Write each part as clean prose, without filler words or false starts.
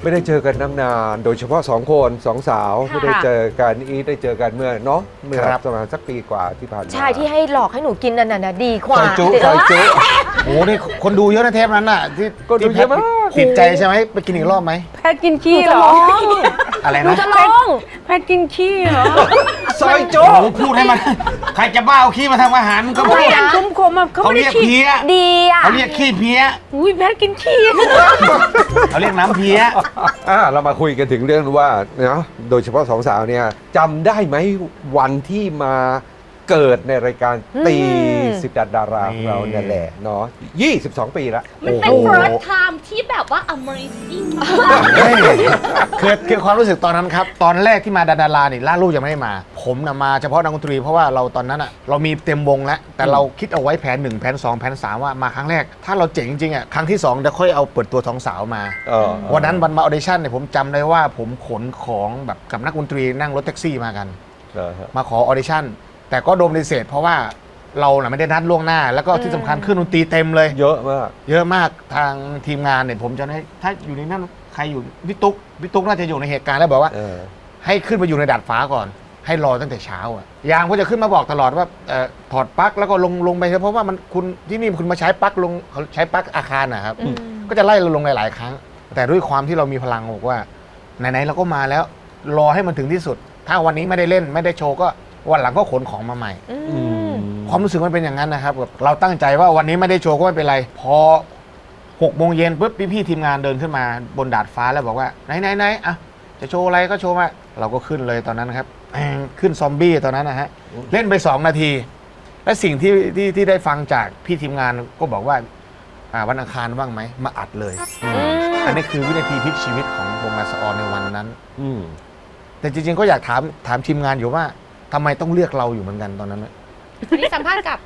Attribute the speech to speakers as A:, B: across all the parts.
A: ไม่ได้เจอกันนานโดยเฉพาะ2 คน2 สาวไม่ได้เจอกันได้เจอกันเมื่อเนาะเมื่อประมาณสักปีกว่าที่ผ่านมา
B: ใช่ที่ให้หลอกให้หนูกินนั่นน่ะดีกว่า
A: ซอยจุ
C: โอ้โหนี่คนดูเยอะนะเทปนั้นน่ะที่
A: ก็ดูเยอะมาก
C: ติดใจใช่ไหมไปกินอีกรอบไหม
D: แพทกินขี้เหรอ
C: อะไร
B: หนู
C: นะ
B: จะลอง
D: แพทกินขี้เหรอ
A: ซอยจุ
C: โอ้โหพูดให้มันใครจะบ้าเอาขี้มาทำอาหารก็พูด
D: ไม่คมคมเขา
C: เขา
D: ไม่
C: เรี
D: ได้
C: ยก
D: ขี้
C: เพี้ย
B: ดีอ่ะ
C: เขาเรียกขี้เพี้ย
D: อุ้ยแพทกินขี้
C: เขาเรียกน้ำเพี้ย
A: เรามาคุยกันถึงเรื่องว่าเนาะโดยเฉพาะ2 สาวเนี่ยจำได้ไหมวันที่มาเกิดในรายการตี10 ดาราของเราเนี่ยแหละเนาะ22 ปีละ
E: มันเป็น first time ที่แบบว่า amazing มาก
C: คือความรู้สึกตอนนั้นครับตอนแรกที่มาดาราเนี่ยล่าลูกยังไม่ได้มา ผมนะมาเฉพาะนักดนตรีเพราะว่าเราตอนนั้นอ่ะเรามีเต็มวงแล้วแต่เราคิดเอาไว้แผน1แผน2แผน3ว่ามาครั้งแรกถ้าเราเจ๋งจริงๆอ่ะครั้งที่2เดี๋ยวค่อยเอาเปิดตัว2 สาวมาวันนั้นวันมาออเดชั่นเนี่ยผมจำได้ว่าผมขนของแบบกับนักดนตรีนั่งรถแท็กซี่มากันมาขอออเดชั่นแต่ก็โดนปฏิเสธเพราะว่าเราไม่ได้นัดล่วงหน้าแล้วก็ที่สำคัญเครื่องดนตรีเต็มเลย
A: เยอะมาก
C: ทางทีมงานเนี่ยผมจะให้ถ้าอยู่ในนั้นใครอยู่พี่ตุ๊กน่าจะอยู่ในเหตุการณ์แล้วบอกว่าให้ขึ้นไปอยู่ในดาดฟ้าก่อนให้รอตั้งแต่เช้าอ่ะยางก็จะขึ้นมาบอกตลอดว่าถอดปลั๊กแล้วก็ลงไปเพราะว่ามันคุณที่นี่คุณมาใช้ปลั๊กลงเขาใช้ปลั๊กอาคารนะครับก็จะไล่เราลงหลายๆครั้งแต่ด้วยความที่เรามีพลังบอกว่าไหนๆเราก็มาแล้วรอให้มันถึงที่สุดถ้าวันนี้ไม่ได้เล่นไม่ได้โชว์ก็วันหลังก็ขนของมาใหม่ความรู้สึกมันเป็นอย่างนั้นนะครับแบบเราตั้งใจว่าวันนี้ไม่ได้โชว์ก็ไม่เป็นไรพอ6 โมงเย็นปุ๊บพี่ทีมงานเดินขึ้นมาบนดาดฟ้าแล้วบอกว่าไหนอ่ะจะโชว์อะไรก็โชว์มาเราก็ขึ้นเลยตอนนั้นครับขึ้นซอมบี้ตอนนั้นนะฮะเล่นไป2 นาทีและสิ่งที่ได้ฟังจากพี่ทีมงานก็บอกว่าวันอังคารว่างไหมมาอัดเลยอันนี้คือวินาทีพลิกชีวิตของวงลาสออนในวันนั้นแต่จริงๆก็อยากถามทีมงานอยู่ว่าทำไมต้องเลือกเราอยู่เหมือนกันตอนนั้น
E: อันนี้สัมภาษณ์กับ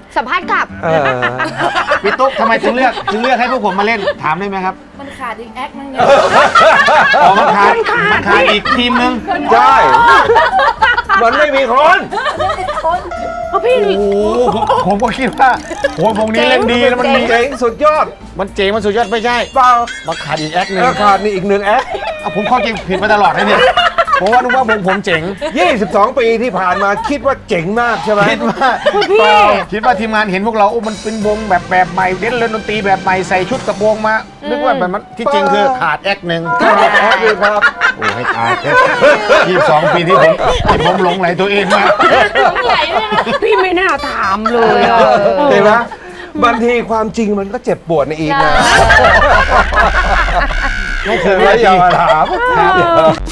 C: พี่ตุ๊กทำไมถึงเลือกให้พวกผมมาเล่นถามได้ไหมครับ
E: มันขาดอีกแอคนึง
C: มันขาดอีกทีมนึง
A: ใช่มันไม่มีคน
D: เพราะพี่
C: ผมก็คิดว่าโอ้วงนี้เล่นดีแล้วมันมี
A: เจ๋งสุดยอด
C: มันเจ๋งมันสุดยอดไม่ใช่
A: เปล่า
C: มันขาดอีกแอคนึง
A: ขาดนี่อีก1 แอค
C: ผมเข้าใจผิดมาตลอดเลยเนี่ยผมว่านึกว่าวงผมเจ๋ง
A: 22 ปีที่ผ่านมาคิดว่าเจ๋งมากใช่ไหม
C: คิดว่าทีมงานเห็นพวกเรามันเป็นวงแบบใหม่เล่นดนตรีแบบใหม่ใส่ชุดกระโปรงมานึกว่าแบบมันที่จริงคือขาดแอคนึง
A: ครับ
C: โอ้ให้ตาย22 ปีที่ผมหลงไหลตัวเองมา
E: หลงไหลเลยนะ
D: พี่ไม่น่าถามเลย
A: เห็นไหมบางทีความจริงมันก็เจ็บปวดในอีกนะ
C: ไม่เคย
A: อย่ามาถาม